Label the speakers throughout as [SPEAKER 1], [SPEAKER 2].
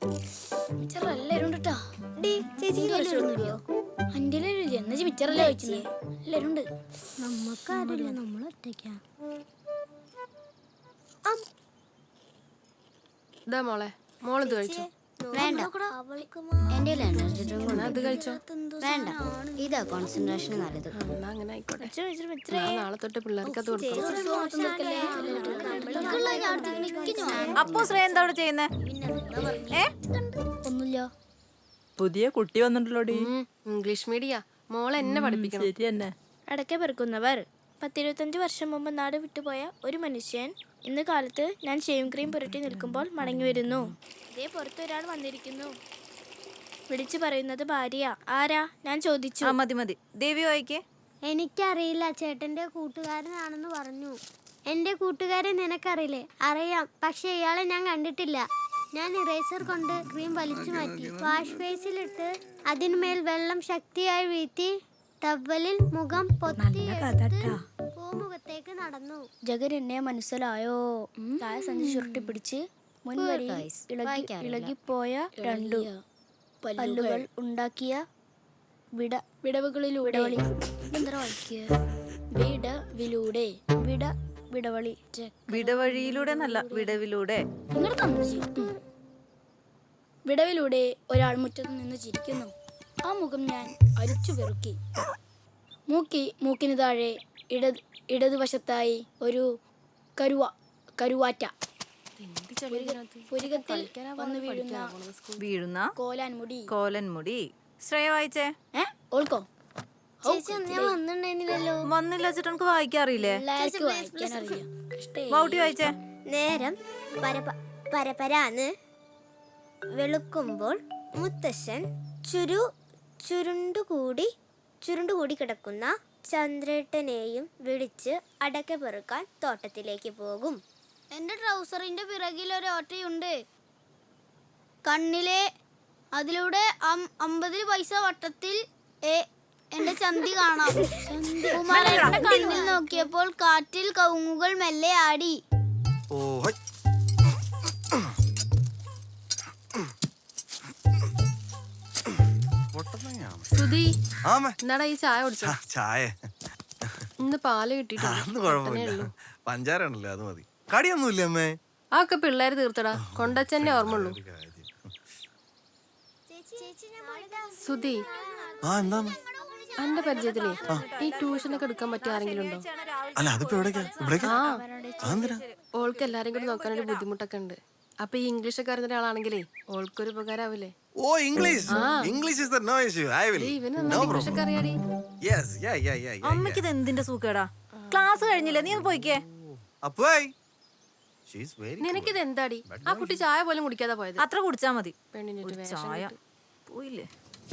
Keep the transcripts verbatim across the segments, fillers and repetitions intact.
[SPEAKER 1] മിച്ചർ എല്ലാരും ഉണ്ട് കേട്ടോ. അന്റെ എന്ന് മിച്ചറല്ലേ കഴിച്ചില്ലേ? എല്ലാരും ഉണ്ട്.
[SPEAKER 2] നമ്മക്കാരില്ല, നമ്മൾ ഒറ്റയ്ക്കാ.
[SPEAKER 3] ഇതാ മോളെ, മോളിത് കഴിച്ചോ?
[SPEAKER 2] വേണ്ട, എന്റെ
[SPEAKER 3] അത് കഴിച്ചോ?
[SPEAKER 2] വേണ്ട, ഇതാ കോൺസെൻട്രേഷൻ നല്ലത്.
[SPEAKER 3] എന്നാ അങ്ങനെ ആയിക്കോട്ടെ. ഞാൻ നാളെ തൊട്ട് പിള്ളേർക്ക് അത് കൊടുക്കാം.
[SPEAKER 4] അപ്പോ ശ്രേയ എന്താ അവിടെ ചെയ്യുന്നേ?
[SPEAKER 1] ഒന്നുമില്ല.
[SPEAKER 4] പുതിയ കുട്ടി വന്നിട്ടുള്ളോടി.
[SPEAKER 3] ഇംഗ്ലീഷ് മീഡിയ മോളെ എന്നെ പഠിപ്പിക്കണം.
[SPEAKER 4] ശരി തന്നെ.
[SPEAKER 5] അടക്ക പെറുക്കുന്നവർ. പത്തിരുപത്തഞ്ച് വർഷം മുമ്പ് നാട് വിട്ടുപോയ ഒരു മനുഷ്യൻ ഇന്ന് കാലത്ത് ഞാൻ ഷേവിംഗ് ക്രീം പുരട്ടി നിൽക്കുമ്പോൾ മടങ്ങി വരുന്നു. ഇതേ പുറത്ത് ഒരാൾ വന്നിരിക്കുന്നു. വിളിച്ചു പറയുന്നത് ഭാര്യ. ആരാ? ഞാൻ ചോദിച്ചു.
[SPEAKER 4] ആ മതി മതി. ദേവി വായിക്കേ.
[SPEAKER 2] എനിക്കറിയില്ല, ചേട്ടന്റെ കൂട്ടുകാരനാണെന്ന് പറഞ്ഞു. എന്റെ കൂട്ടുകാരെ നിനക്കറിയില്ലേ? അറിയാം, പക്ഷെ ഇയാളെ ഞാൻ കണ്ടിട്ടില്ല. ഞാൻ ഇറേസർ കൊണ്ട് ക്രീം വലിച്ചു മാറ്റി, വാഷ് ബേസിലിട്ട് അതിന്മേൽ വെള്ളം ശക്തിയായി വീഴ്ത്തി ടവലിൽ മുഖം പൊത്തി പൂമുഖത്തേക്ക് നടന്നു.
[SPEAKER 5] ജഗൻ എന്നെ മനസ്സിലായോ? താഴെ സഞ്ചി ചുരുട്ടി പിടിച്ച് മുൻവരി ഇളകിപ്പോയ രണ്ടു പല്ലുകൾ ഉണ്ടാക്കിയ വിട വിടവുകളിലൂടെ വിടവിലൂടെ വിട വിടവളി
[SPEAKER 4] വിടവഴിയിലൂടെ നല്ല വിടവിലൂടെ.
[SPEAKER 5] വിടവിലൂടെ ഒരാൾ മുറ്റത്ത് നിന്ന് ചിരിക്കുന്നു. ആ മുഖം ഞാൻ അരിച്ചു വെറുക്കി. മൂക്കി മൂക്കിന് താഴെ ഇടത് ഇടതുവശത്തായി ഒരു കരുവ കരുവാറ്റ. പുരികത്തിൽ വന്ന് വീഴുന്ന
[SPEAKER 4] വീഴുന്ന
[SPEAKER 5] കോലാൻമുടി.
[SPEAKER 4] കോലൻമുടി. ശ്രേയ വായിച്ചേ.
[SPEAKER 5] ഏ ഓൾക്കോ?
[SPEAKER 4] വന്നില്ല ചേട്ടാ, നമുക്ക് വായിക്കാറില്ലേ? വൗട്ടി വായിച്ചേ.
[SPEAKER 2] നേരം പരപ പരപരാന്ന് വെളുക്കുമ്പോൾ മുത്തശ്ശൻ ചുരു ചുരുണ്ടുകൂടി ചുരുണ്ടുകൂടി കിടക്കുന്ന ചന്ദ്രേട്ടനെയും വിളിച്ച് അടക്ക പെറുക്കാൻ തോട്ടത്തിലേക്ക് പോകും.
[SPEAKER 1] എന്റെ ട്രൗസറിന്റെ പിറകിൽ ഒരു ഓട്ടയുണ്ട്. കണ്ണിലെ അതിലൂടെ അമ്പതിൽ പൈസ വട്ടത്തിൽ എന്റെ ചന്തി കാണാം. കുമാരന്റെ കണ്ണിൽ നോക്കിയപ്പോൾ കാറ്റിൽ കവുങ്ങുകൾ മെല്ലെ ആടി.
[SPEAKER 3] സുധി, എന്നാടാ ഈ ചായ കുടിച്ചോ?
[SPEAKER 6] ചായ
[SPEAKER 3] ഇന്ന് പാല് കിട്ടിയിട്ടില്ല.
[SPEAKER 6] പഞ്ചാരാണല്ലോ, അത് മതി. കടിയൊന്നുമില്ല അമ്മേ.
[SPEAKER 3] ആ ഒക്കെ പിള്ളേര് തീർത്തടാ. കൊണ്ടച്ചന്നെ ഓർമ്മയുള്ളൂ. സുധി,
[SPEAKER 6] ആ എന്താ
[SPEAKER 3] എന്റെ പരിചയത്തിലേ ഈ ട്യൂഷനൊക്കെ എടുക്കാൻ പറ്റിയ ആരെങ്കിലും ഉണ്ടോ?
[SPEAKER 6] അല്ല, അതിപ്പോ എവിടേക്കാ? ഇവിടേക്കാ?
[SPEAKER 3] ഓൾക്ക് എല്ലാരും കൂടി നോക്കാനൊരു ബുദ്ധിമുട്ടൊക്കെ ഉണ്ട്. അപ്പൊ ഈ ഇംഗ്ലീഷ് ഒക്കെ അറിയുന്ന ഒരാളാണെങ്കിലേ ഓൾക്കൊരു ഉപകാരാവില്ലേ?
[SPEAKER 6] ഓ, English. English is no issue. I will. No problem.
[SPEAKER 3] അറിയാടി.
[SPEAKER 6] Yes, ya ya ya ya.
[SPEAKER 4] അമ്മയ്ക്ക് ഇത് എന്തിന്റെ സൂക്കേടാ? ക്ലാസ് കഴിഞ്ഞില്ലേ? നീ ഒന്ന് പോയിക്കേ.
[SPEAKER 6] അപ്പോയ് ഷീ ഈസ് വെരി.
[SPEAKER 3] നിനക്കിത് എന്താടി? ആ കുട്ടി ചായ പോലും കുടിക്കാതെ പോയത്.
[SPEAKER 4] അത്ര കുടിച്ചാ മതി.
[SPEAKER 3] പെണ്ണിന്റെ
[SPEAKER 4] ചായ പോയില്ലേ?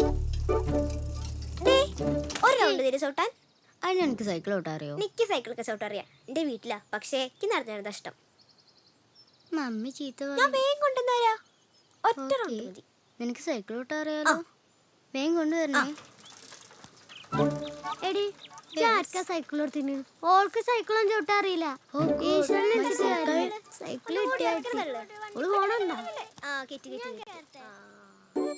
[SPEAKER 2] ഒരു റൗണ്ട് തിരി ചവിട്ടാൻ.
[SPEAKER 1] അതിന് എനിക്ക് സൈക്കിൾ ഓട്ടാൻ അറിയോ?
[SPEAKER 2] എനിക്ക് സൈക്കിളൊക്കെ ചവിട്ടാൻ അറിയാം. എന്റെ വീട്ടിലാ, പക്ഷേ എനിക്ക് നടന്നത് ഇഷ്ടം.
[SPEAKER 1] മമ്മി ചീത്ത
[SPEAKER 2] ഞാൻ വേഗം കൊണ്ടുവന്നാരാ. ഒറ്റ റൗണ്ട് മതി.
[SPEAKER 1] നിനക്ക് സൈക്കിൾ ഓട്ടാൻ അറിയാലോ? വേഗം കൊണ്ടുവരണേ.
[SPEAKER 2] എടി, ആർക്കാ സൈക്കിൾ കൊടുത്തിന്? ഓൾക്ക് സൈക്കിളും ചവിട്ടാൻ അറിയില്ല. സൈക്കിൾ കിട്ടിയാ പോണുണ്ടോ? ആ, കിട്ടി കിട്ടി.